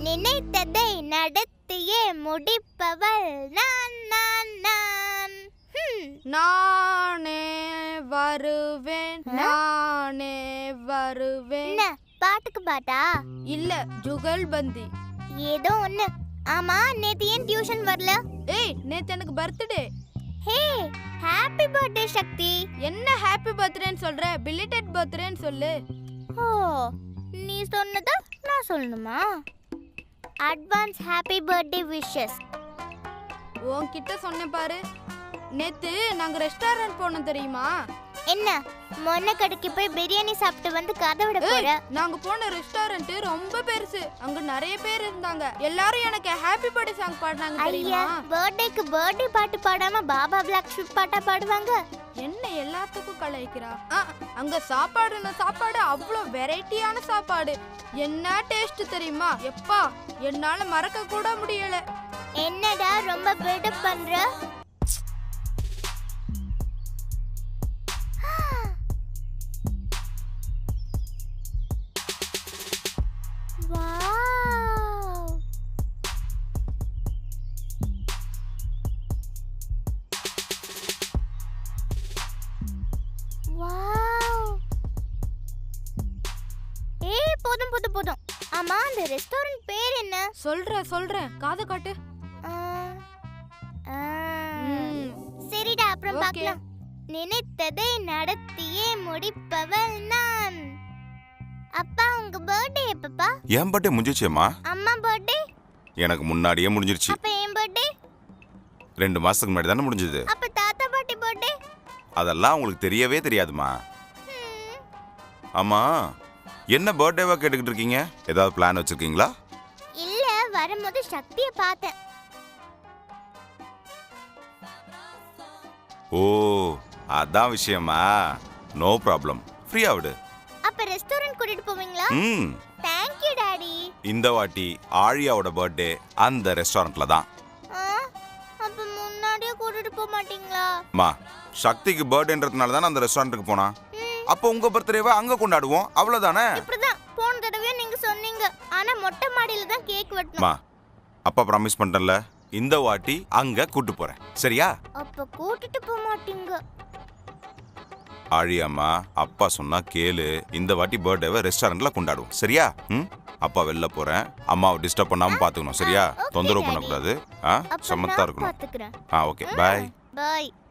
நினைத்ததை நடத்தியே முடிப்பவள் நான் நான் நான். நானே வருவேன், நானே வருவேன். என்ன பாட்டுக்கு பாட்டா? இல்ல, ஜுகல்பந்தி. ஏதோ ஒண்ணு. ஆமா, நேத்து ஏன் டியூஷன் வரல? ஏய், நேத்து எனக்கு birthday. Hey, happy birthday Shakti. என்ன ஹாப்பி பர்த்டேன்னு சொல்ற? பிலிட்டட் பர்த்டேன்னு சொல்லு. ஓ, நீ சொன்னதா நான் சொல்லணுமா? Advance happy birthday wishes. உன்கிட்ட சொன்னேன் பாரு. நேத்து நாங்க ரெஸ்டாரண்ட் போனோம் தெரியுமா? என்ன மொன்ன கடைக்கு போய் பிரியாணி சாப்பிட்டு வந்து கதை விட போற? நாங்க போன ரெஸ்டாரண்ட் ரொம்ப பெருசு. அங்க நிறைய பேர் இருந்தாங்க. எல்லாரும் எனக்கு ஹாப்பி பர்த்டே சாங் பாடுனாங்க தெரியுமா? ஐயா, பர்த்டேக்கு பர்த்டே பாட்டு பாடாம பாபா பிளாக் ஷூட் பாட்டா பாடுவாங்க. என்ன எல்லாத்துக்கும் கலாய்க்கிறா? அங்க சாப்பாடு அவ்வளோ வெரைட்டியான சாப்பாடு. என்ன டேஸ்ட் தெரியுமா? எப்பா, என்னால மறக்க கூட முடியல. என்னடா ரொம்ப பில்டப் பண்ற? போதும். ஆமா, அந்த ரெஸ்டாரண்ட் பேர் என்ன? சொல்றேன், காது காட்டு. சரிடா, அப்புறம் பார்க்கலாம். நினைத்ததை நடத்தியே முடிப்பவள் நான். அப்பா, உங்க பர்த்டே எப்பப்பா? என் பர்த்டே முடிஞ்சிச்சேம்மா. அம்மா பர்த்டே எனக்கு முன்னாடியே முடிஞ்சிருச்சு. அப்ப என் பர்த்டே 2 மாசத்துக்கு முன்னாடி தானே முடிஞ்சது. அப்ப தாத்தா பாட்டி பர்த்டே? அதெல்லாம் உங்களுக்கு தெரியவே தெரியாதுமா. ஆமா, என்ன பர்த்டேவா கேட்டுக்கிட்டு இருக்கீங்க? ஏதாவது பிளான் வச்சிருக்கீங்களா? இல்ல, வரும்போது சக்தியை பார்த்தேன். ஓ, அதான் விஷயமா? நோ ப்ராப்ளம், ஃப்ரீயா விடு. அப்ப ரெஸ்டாரண்ட் கூட்டிட்டு போவீங்களா? Thank you daddy. இந்த வாட்டி ஆழியாவோட பர்த்டே அந்த ரெஸ்டாரண்ட்ல தான். அப்ப முன்னாடியே கூட்டிட்டு போக மாட்டீங்களா? மா, சக்திக்கு பர்த்டேன்றதுனால தானே அந்த ரெஸ்டாரண்ட்டுக்கு போனா. அப்போ உங்க பர்த்டேவை அங்க கொண்டாடுவோம், அவ்வளவுதானே? இப்படிதான் போன தடவை நீங்க சொன்னீங்க. ஆனா மொட்டை மாடியில தான் கேக் வெட்டணும். மா, அப்பா ப்ராமிஸ் பண்ணிட்டேன்ல, இந்த வாட்டி அங்க கூட்டி போறேன், சரியா? அப்ப கூட்டிட்டு போக மாட்டீங்க. ஆழியம்மா, அப்பா சொன்னா கேளு. இந்த வாட்டி பர்த்டேவை ரெஸ்டாரண்ட்ல கொண்டாடுவோம், சரியா? அப்பா வெளில போறேன். அம்மாவை டிஸ்டர்ப் பண்ணாம பாத்துக்கணும், சரியா? தொந்தரவு பண்ணக்கூடாது. சமத்தா இருக்கணும். பாத்துக்கிறேன். Okay, bye. பை.